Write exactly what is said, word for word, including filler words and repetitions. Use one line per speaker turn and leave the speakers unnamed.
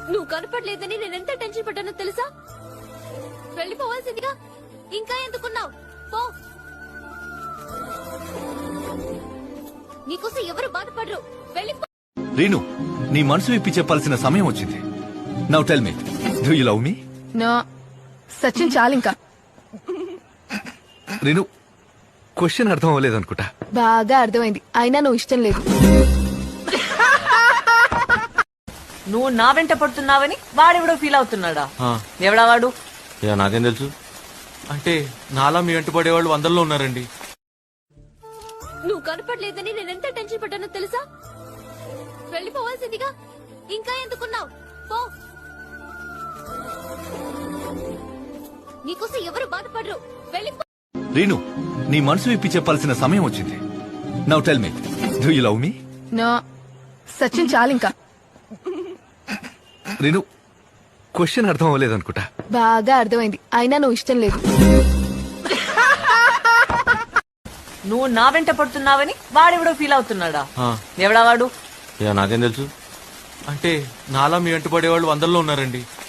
నువ్వు కనపడలేదని నేనెంత టెన్షన్ పడ్డానో తెలుసా? వెళ్ళిపోవాల్సిందిగా ఇంకా ఎందుకున్నావు? పో. నీకోసం ఎవరు బాధపడరు. వెళ్ళిపో.
రీను, నీ మనసు విప్పి చెప్పాల్సిన సమయం వచ్చింది. Now tell me, do you love me?
No Sachin చాలింకా.
రీను, క్వశ్చన్ అర్థం అవ్వలేదు అనుకుంటా.
బాగా అర్థమైంది, అయినా నువ్వు ఇష్టం లేదు.
నువ్వు నా వెంట పడుతున్నావని వాడెవడో ఫీల్ అవుతున్నాడా? ఎవడా వాడు?
నాకేం తెలుసు. అంటే నాలా మీ వెంట పడేవాళ్ళు వందల్లో ఉన్నారండి.
నువ్వు కనపడలేదని నేనెంత టెన్షన్ పడ్డానో తెలుసా? వెళ్ళిపోవాల్సిందిగా ఇంకా ఎందుకున్నావు? పో. నీకోసం ఎవరు బాధపడరు. వెళ్ళిపో.
రీను, నీ మనసు విప్పి చెప్పాల్సిన సమయం వచ్చింది. Now tell me, do you love me?
No Sachin చాలింకా.
రీను, క్వశ్చన్ అర్థం అవ్వలేదు అనుకుంటా.
బాగా అర్థమైంది, అయినా నువ్వు ఇష్టం లేదు.
నువ్వు నా వెంట పడుతున్నావని వాడెవడో ఫీల్ అవుతున్నాడా? ఎవడా వాడు?
నాకేం తెలుసు. అంటే నాలా మీ వెంట పడేవాళ్ళు వందల్లో ఉన్నారండి.